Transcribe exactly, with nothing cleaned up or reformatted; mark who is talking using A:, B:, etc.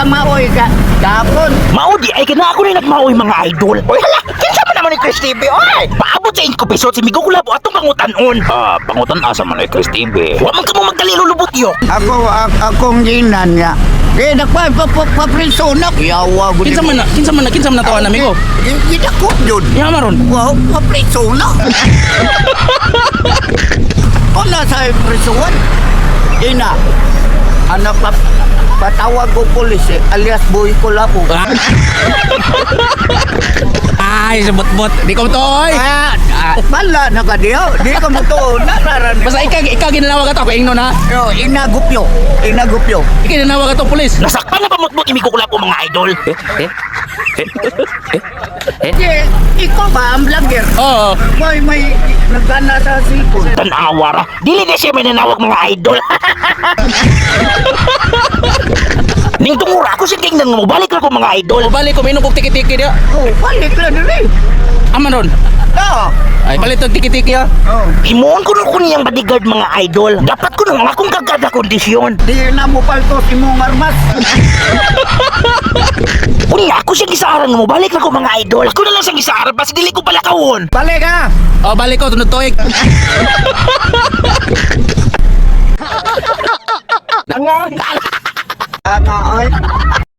A: ka maoy ka. Kapon.
B: Maudi ay kana ako na nagmaoy mga idol. Oy hala, kinsa man naman ni Chris T V oy. Paabot sa inko piso si Migo Kulabo atong pangutan-on. Ah, pangutan asa man ni Chris T V. Wa man ka mo magdaliro lubot yo.
A: Ako ak akong ginan niya. Kaya nagpa pa pa pa prisonak. Yawa gud.
C: Kinsa man na, kinsa man na, kinsa man na tawa nami ko.
A: Kita ko jud.
C: Ya maron.
A: Wow, pa prisonak. Wala sa prisuan. Ina. Ano pa patawag ko pulis eh, alias Boy Kulabo.
C: Ay, sebut-but. Di ko to oy.
A: Ah, ah, bala na ka diyo. Di ka mo to nararan.
C: Basta ikaw ikaw ginawag ato ko ingno na.
A: Yo, inagupyo. Inagupyo.
C: Ikaw ginawag ato pulis.
B: Nasakpan na pamutbot ni Migo Kulabo mga idol. Eh, eh. Eh. Eh.
A: Eh, ikaw ba ang vlogger?
C: Oo.
A: May may nagana sa sipon.
B: Tanawa ra. Dili na siya may nanawag mga idol. Ning tungura ako si tingnan mo balik ako mga idol.
C: O balik ko minom kog tiki-tiki dia.
A: Oh, balik lang rin.
C: Aman ron.
A: Oo.
C: Ay palit og tiki-tiki ya.
A: Oh.
B: Himuon ko nun ko niyang bodyguard mga idol. Dapat ko nang akong kagada kondisyon.
A: Di na mo palto si mong armas.
B: Unya ako siya gisaaran mo balik ako mga idol. Ako na lang siyang gisaaran basta dili ko pala kawon.
A: Balik ha.
C: O balik ko tunod tuig.
A: Tanga, oy.